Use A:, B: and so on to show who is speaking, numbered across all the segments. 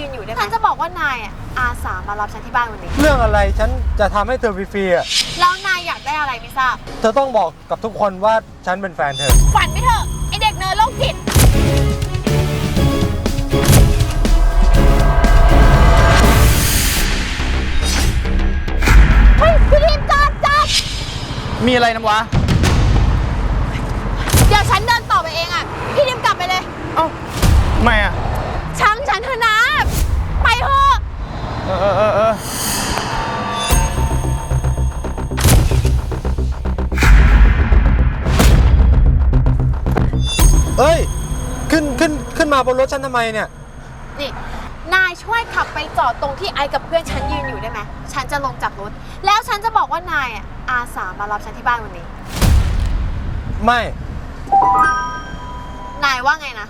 A: ยืนอยู่ได้ไหมฉันจะบอกว่านายอาสามารับฉันที่บ้านวันนี้
B: เรื่องอะไรฉันจะทำให้เธอฟรีๆอ่ะ
A: แล้วนายอยากได้อะไรไม่ทราบ
B: เธอต้องบอกกับทุกคนว่าฉันเป็นแฟนเธอ
A: ฝันไปเถอะไอเด็กเนิร์ดโรคจิตเฮ้ยพี่ทีมจอด
C: มีอะไรน้ำวะ
A: เดี๋ยวฉันเดินต่อไปเองพี่ทีมกลับไปเลย
C: เอ้าทำไม
A: ช่างฉันเถอะนะไปเถอะ
B: เอ้ยขึ้นมาบนรถฉันทำไมเนี่ย
A: นี่นายช่วยขับไปจอดตรงที่ไอ้กับเพื่อนฉันยืนอยู่ได้ไหมฉันจะลงจากรถแล้วฉันจะบอกว่านายอาสามารับฉันที่บ้านวันนี้
B: ไม่
A: นายว่าไงนะ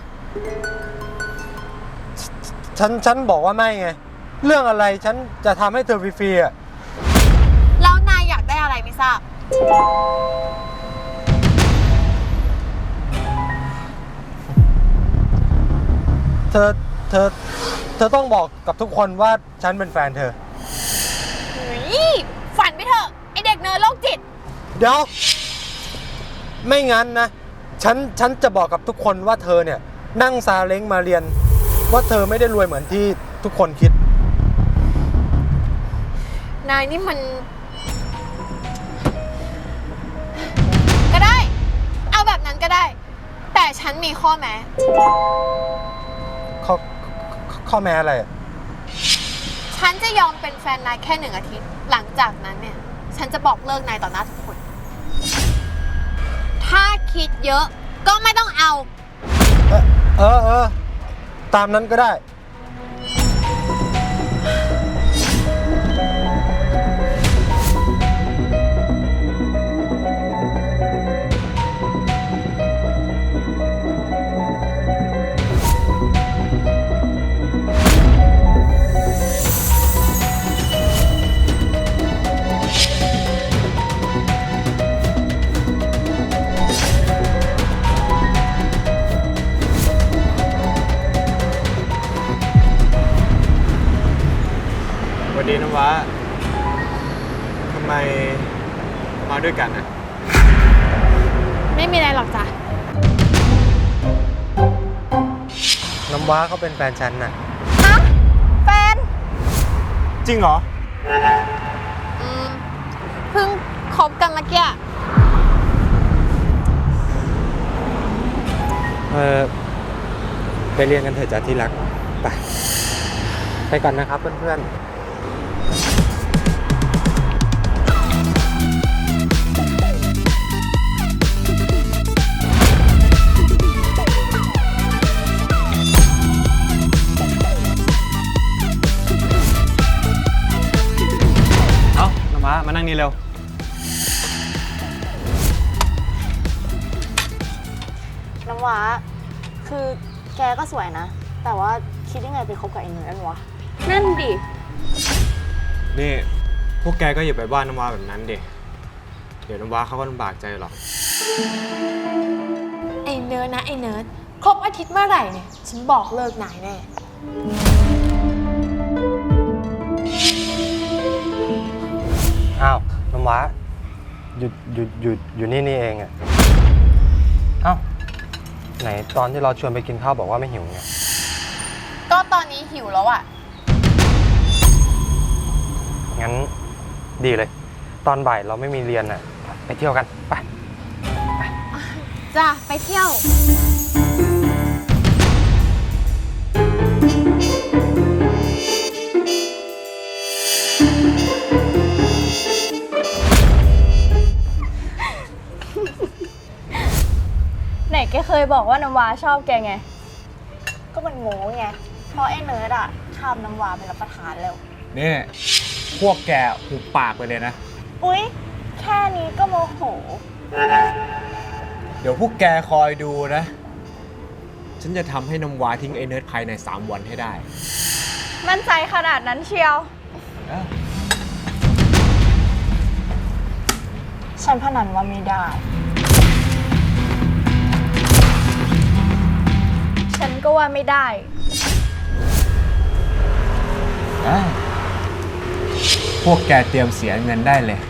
B: ฉันบอกว่าไม่ไงเรื่องอะไรฉันจะทำให้เธอฟรีๆอ่ะ
A: แล้วนายอยากได้อะไรไม่ทราบ
B: เธอต้องบอกกับทุกคนว่าฉันเป็นแฟนเธอ
A: ฝันไปเถอะไอเด็กเนิร์ดโรคจิต
B: เดี๋ยวไม่งั้นนะฉันจะบอกกับทุกคนว่าเธอเนี่ยนั่งซาเล้งมาเรียนว่าเธอไม่ได้รวยเหมือนที่ทุกคนคิด
A: นายนี่มันก็ได้เอาแบบนั้นก็ได้แต่ฉันมีข้อแม้
B: ข้อแม้อะไร
A: ฉันจะยอมเป็นแฟนนายแค่1 อาทิตย์หลังจากนั้นเนี่ยฉันจะบอกเลิกนายต่อหน้าทุกคนถ้าคิดเยอะก็ไม่ต้องเอา
B: ตามนั้นก็ได้
C: สวัสดีน้ำว้าทำไมมาด้วยกันนะ
A: ไม่มีอะไรหรอกจ้ะ
B: น้ำว้าเขาเป็นแฟนฉันน่ะ
A: ฮะแฟน
C: จริงเหรอ
A: เพิ่งคบกันเมื่อกี้
B: ไปเรียนกันเถอะจ้ะที่รักไปก่อนนะครับเพื่อนๆ
C: น้ำว้ามานั่งนี่เร็ว
D: น้ำว้าคือแกก็สวยนะแต่ว่าคิดยังไงไปคบกับไอ้เนิร์ดวะ
A: นั่นดิ
C: นี่พวกแกก็อย่าไปว่าน้ำว้าแบบนั้นดิเดี๋ยวน้ำว้าเขาก็ลำบากใจหรอก
A: ไอ้เนิร์ดนะไอ้เนิร์ดครบอาทิตย์เมื่อไหร่เนี่ยฉันบอกเลิกนายแน่
B: อ้าวน้ำว้าอยู่นี่เองอ่ะอ้าวไหนตอนที่เราชวนไปกินข้าวบอกว่าไม่หิวไง
A: ก็ตอนนี้หิวแล้ว
B: งั้นดีเลยตอนบ่ายเราไม่มีเรียนอ่ะไปเที่ยวกันไป
A: จ้ะไปเที่ยว
D: ไหนแกเคยบอกว่าน้ำว้าชอบแกไงก็มันโง่ไงเพราะไอ้เนิร์ดทำน้ำว้าเป็นรับประทานแล้ว
C: นี่พวกแกหุบปากไปเลยนะ
D: อุ๊ยแค่นี้ก็โมโห
C: เดี๋ยวพวกแกคอยดูนะฉันจะทำให้น้ำว้าทิ้งไอ้เนิร์ดภายใน3 วันให้ได้
D: มั่นใจขนาดนั้นเชียวฉันพนันว่าไม่ได้ฉันก็ว่าไม่ได้
C: ได้พวกแกเตรียมเสียเงินได้เลย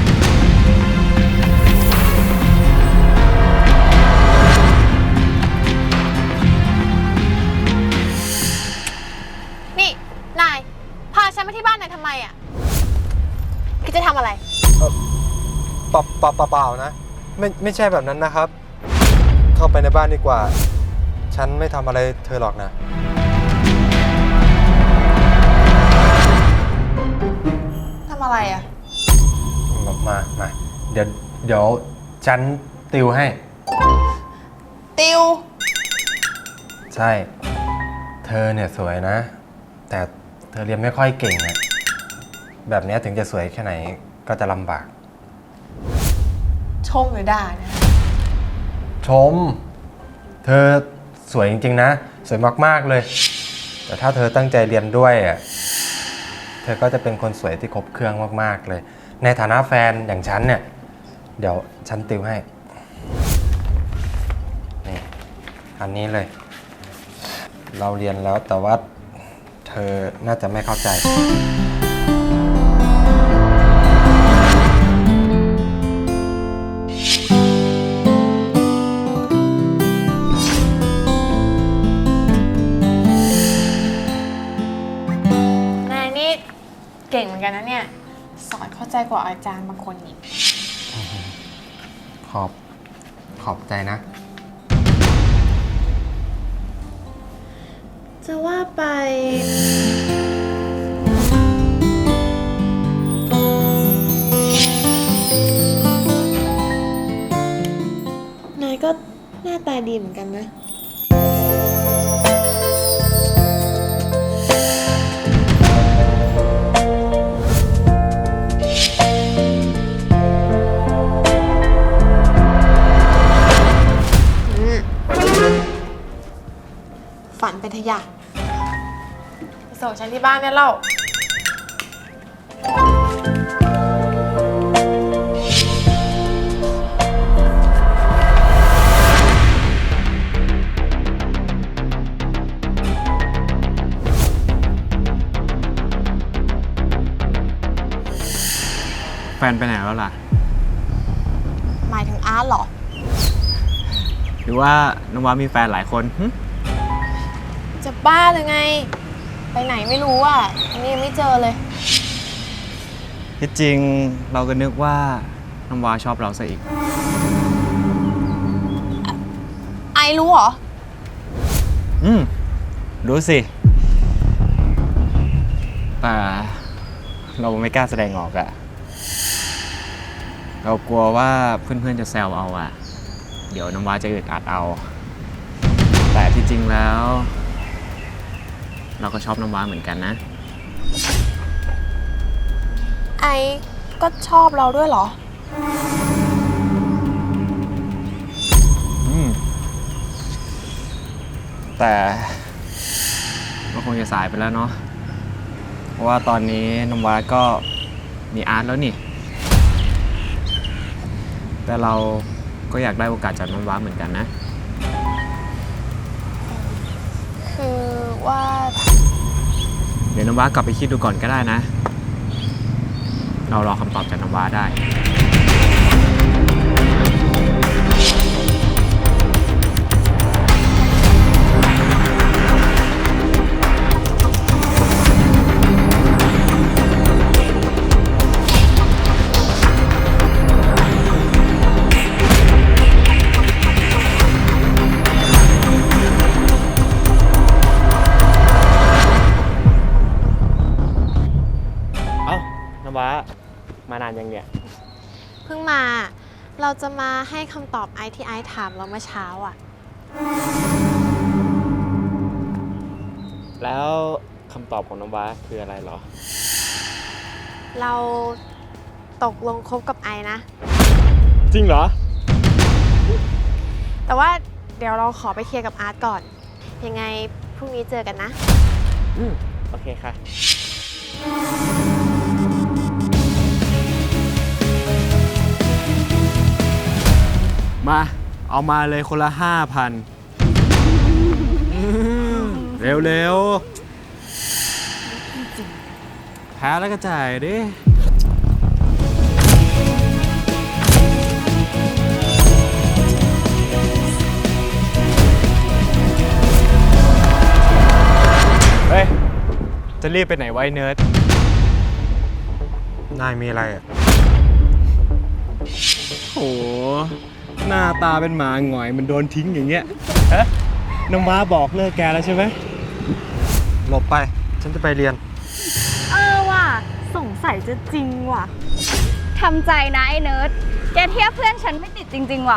A: นี่ นาย พาฉันมาที่บ้านนายทำไมอ่ะคิดจะทำอะไร
B: เปล่านะไม่ใช่แบบนั้นนะครับ เข้าไปในบ้านดีกว่า ฉันไม่ทำอะไรเธอหรอกนะ
A: ทำอะไรอ่ะ
B: มาเดี๋ยวฉันติวให้
A: ติว
B: ใช่ เธอเนี่ยสวยนะ แต่เธอเรียนไม่ค่อยเก่งอะแบบนี้ถึงจะสวยแค่ไหนก็จะลำบาก
A: ชมหรือด่าเนี่ย
B: ชม เธอสวยจริงๆนะ สวยมากๆเลย แต่ถ้าเธอตั้งใจเรียนด้วยอะเธอก็จะเป็นคนสวยที่ครบเครื่องมากๆเลย ในฐานะแฟนอย่างฉันเนี่ย เดี๋ยวฉันติวให้ นี่ อันนี้เลย เราเรียนแล้วแต่ว่าเธอน่าจะไม่เข้าใจ
A: นายนี่เก่งเหมือนกันนะเนี่ย สอนเข้าใจกว่าอาจารย์บางคนอีก
B: ขอบใจนะ
A: จะว่าไป นายก็หน้าตาดีเหมือนกันนะ ฝันเป็นทะยานไปส่งฉันที่บ้านเนี่ยเล่า
C: แฟนไปไหนแล้วล่ะ
A: หมายถึงอาร์ตเหรอ
C: หรือว่าน้องวามีแฟนหลายคนหึ
A: จะบ้าหรือไง ไปไหนไม่รู้อ่ะอันนี้ยังไม่เจอเลย
C: ที่จริงเราก็นึกว่าน้องวาชอบเราซะอีก
A: ไอรู้เหรอ
C: รู้สิ แต่เราไม่กล้าแสดงออกอะเรากลัวว่าเพื่อนๆจะแซวเอาอะเดี๋ยวน้ำว้าจะอึดอัดเอา แต่ที่จริงแล้ว เราก็ชอบน้ำว้าเหมือนกันนะ
A: ไอก็ชอบเราด้วยเหรอ
C: แต่ก็คงจะสายไปแล้วเนาะ เพราะว่าตอนนี้น้ำว้าก็มีอาร์ตแล้วนี่ แต่เราก็อยากได้โอกาสจากน้ำว้าเหมือนกันนะ
A: คือว่า
C: เดี๋ยวน้ำว้ากลับไปคิดดูก่อนก็ได้นะ เรารอคำตอบจากน้ำว้าได้ เอ้า น้ำว้ามานานยังเนี่ย
A: เพิ่งมา เราจะมาให้คำตอบไอที่ไอถามเราเมื่อเช้าอ่ะ
C: แล้วคำตอบของน้ำว้าคืออะไรเหรอ
A: เราตกลงคบกับไอนะ
C: จริงเหรอ
A: แต่ว่าเดี๋ยวเราขอไปเคลียร์กับอาร์ตก่อน ยังไงพรุ่งนี้เจอกันนะ
C: โอเคค่ะ มา เอามาเลยคนละ 5,000 เร็วๆพ้แล้วก็จ่ายดิ เฮ้ย จะรีบไปไหนไว้เนิร์ด
B: นายมีอะไรอ่ะ
C: โห หน้าตาเป็นหมาหงอยมันโดนทิ้งอย่างเงี้ยฮะน้ำว้าบอกเลิกแกแล้วใช่ไหม
B: หลบไป ฉันจะไปเรียน
D: ว่ะสงสัยจะจริงว่ะทำใจนะไอ้เนิร์ดแกเทียบเพื่อนฉันไม่ติดจริงๆว่ะ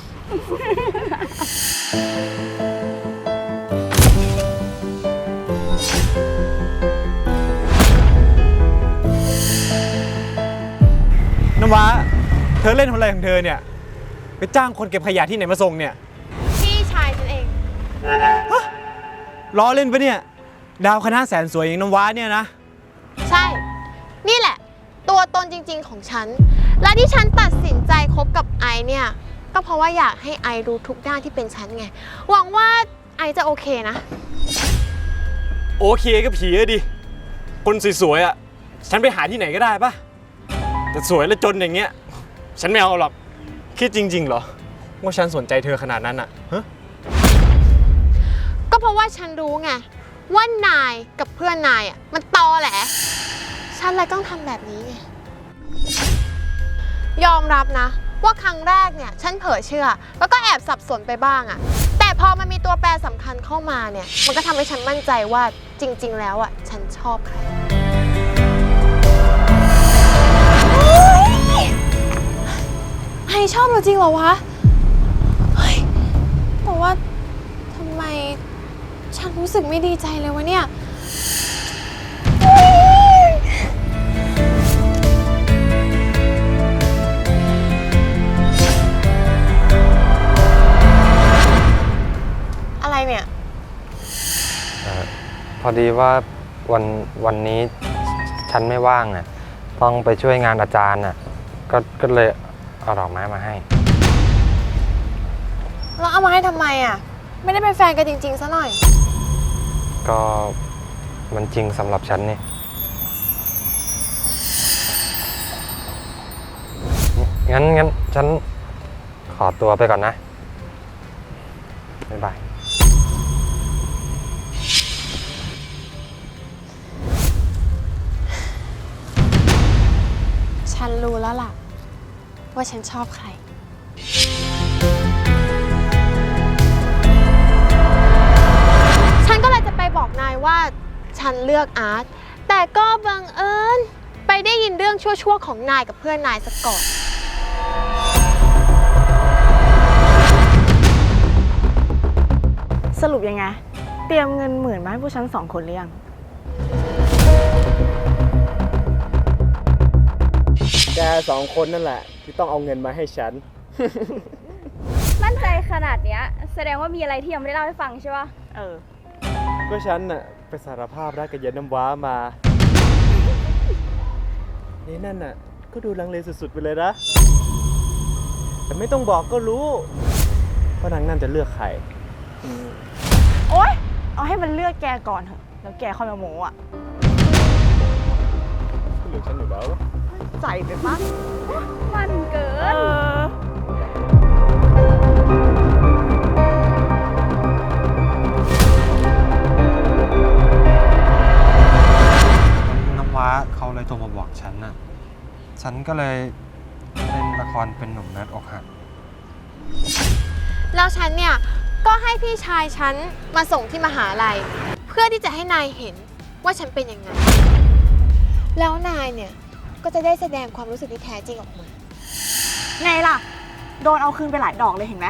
C: น้ำว้า เธอเล่นอะไรของเธอเนี่ย ไปจ้างคนเก็บขยะที่ไหนมาส่งเนี่ย
A: พี่ชายฉันเอง
C: ล้อเล่นปะเนี่ย ดาวคณะแสนสวยอย่างน้ำว้าเนี่ยนะ
A: ใช่ นี่แหละ ตัวตนจริงๆของฉัน และที่ฉันตัดสินใจคบกับไอเนี่ย ก็เพราะว่าอยากให้ไอรู้ทุกด้านที่เป็นฉันไง หวังว่าไอจะโอเคนะ
C: โอเคก็ผีอะดิ คนสวยๆอะฉันไปหาที่ไหนก็ได้ปะแต่สวยและจนอย่างเงี้ย ฉันไม่เอาหรอก คิดจริงๆเหรอ ว่าฉันสนใจเธอขนาดนั้นอะฮะ
A: ก็เพราะว่าฉันรู้ไง ว่านายกับเพื่อนนายอ่ะมันตอแหละฉันเลยต้องทำแบบนี้ไง ยอมรับนะ ว่าครั้งแรกเนี่ยฉันเผลอเชื่อ แล้วก็แอบสับสนไปบ้างอ่ะ แต่พอมันมีตัวแปรสำคัญเข้ามาเนี่ย มันก็ทำให้ฉันมั่นใจว่าจริงๆแล้วอ่ะฉันชอบใครไอชอบเราจริงเหรอวะเฮ้ยแต่ว่าทำไมฉันรู้สึกไม่ดีใจเลยวะเนี่ย อะไรเนี่ย
B: พอดีว่าวันนี้ฉันไม่ว่างอ่ะ ต้องไปช่วยงานอาจารย์อ่ะ ก็เลยเอาดอกไม้มาให้
A: แล้วเอามาให้ทำไมอ่ะ ไม่ได้เป็นแฟนกันจริงๆซะหน่อย
B: ก็มันจริงสำหรับฉันนี่ งั้นฉันขอตัวไปก่อนนะ บ๊ายบาย
A: ฉันรู้แล้วล่ะ ว่าฉันชอบใคร ฉันก็เลยจะไปบอกนายว่าฉันเลือกอาร์ต แต่ก็บังเอิญไปได้ยินเรื่องชั่วๆของนายกับเพื่อนนายซะก่อน
D: สรุปยังไง เตรียมเงิน10,000มาให้พวกฉัน2 คนหรือยัง
C: แก2 คนนั่นแหละที่ต้องเอาเงินมาให้ฉัน
D: มั่นใจขนาดเนี้ยแสดงว่ามีอะไรที่ยังไม่ได้เล่าให้ฟังใช่ป่ะ
C: ก็ฉันน่ะไปสารภาพรักกับเย็นน้ำว้ามานี่นั่นน่ะก็ดูลังเลสุดๆไปเลยนะ แต่ไม่ต้องบอกก็รู้ว่านางนั่นจะเลือกใคร
D: โอ๊ย เอาให้มันเลือกแกก่อนเถอะ แล้วแกค่อยมาโม้อะ
C: ก็เหลือฉันอยู่แล้ว
D: ใจไปปะมันเกิน
B: น้ำว้าเขาเลยโทรมาบอกฉันน่ะ ฉันก็เลยเล่นละครเป็นหนุ่มเนิร์ดอกหัก
A: แล้วฉันเนี่ย ก็ให้พี่ชายฉันมาส่งที่มหาลัย เพื่อที่จะให้นายเห็นว่าฉันเป็นยังไง แล้วนายเนี่ย ก็จะได้แสดงความรู้สึกที่แท้จริงออกมา
D: ไงล่ะ โดนเอาคืนไปหลายดอกเลยเห็นไหม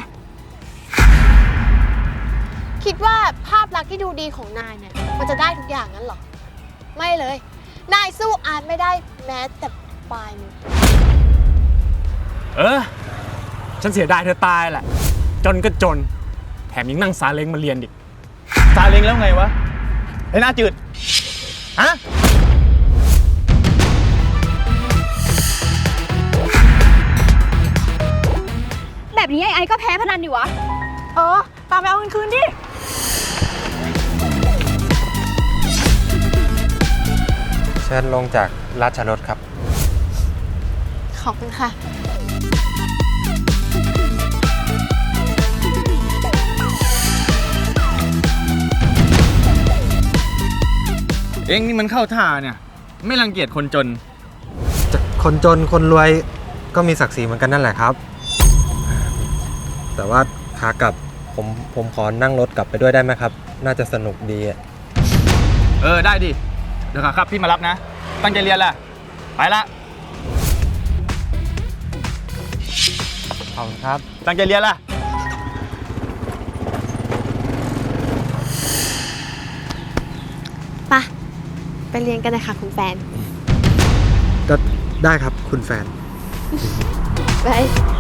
A: คิดว่าภาพลักษณ์ที่ดูดีของนายเนี่ย มันจะได้ทุกอย่างนั้นเหรอ ไม่เลย นายสู้อาร์ตไม่ได้แม้แต่ปลายมือ
C: ฉันเสียดายเธอตายแหละ จนก็จน แถมยังนั่งซาเล้งมาเรียนดิซาเล้งแล้วไงวะไอ้หน้าจืด ฮะ
D: แบบนี้ไอ้ก็แพ้พนันดิวะ ตามไปเอาเงินคืนดิ
B: เชิญลงจากราชรถครับ
A: ขอบคุณค่ะ
C: เอ็งนี่มันเข้าท่าเนี่ย ไม่รังเกียจคนจน
B: คนจนคนรวยก็มีศักดิ์ศรีเหมือนกันนั่นแหละครับ แต่ว่าขากลับผมขอนั่งรถกลับไปด้วยได้ไหมครับ น่าจะสนุกดีอะ
C: ได้ดิ เดี๋ยวครับพี่มารับนะ ตั้งใจเรียนแหละ ไปละ
B: ขอบคุณครับ
C: ตั้งใจเรียนล่ะ
A: ไปเรียนกันนะคะคุณแฟน
B: ก็ได้ครับคุณแฟน
A: ไป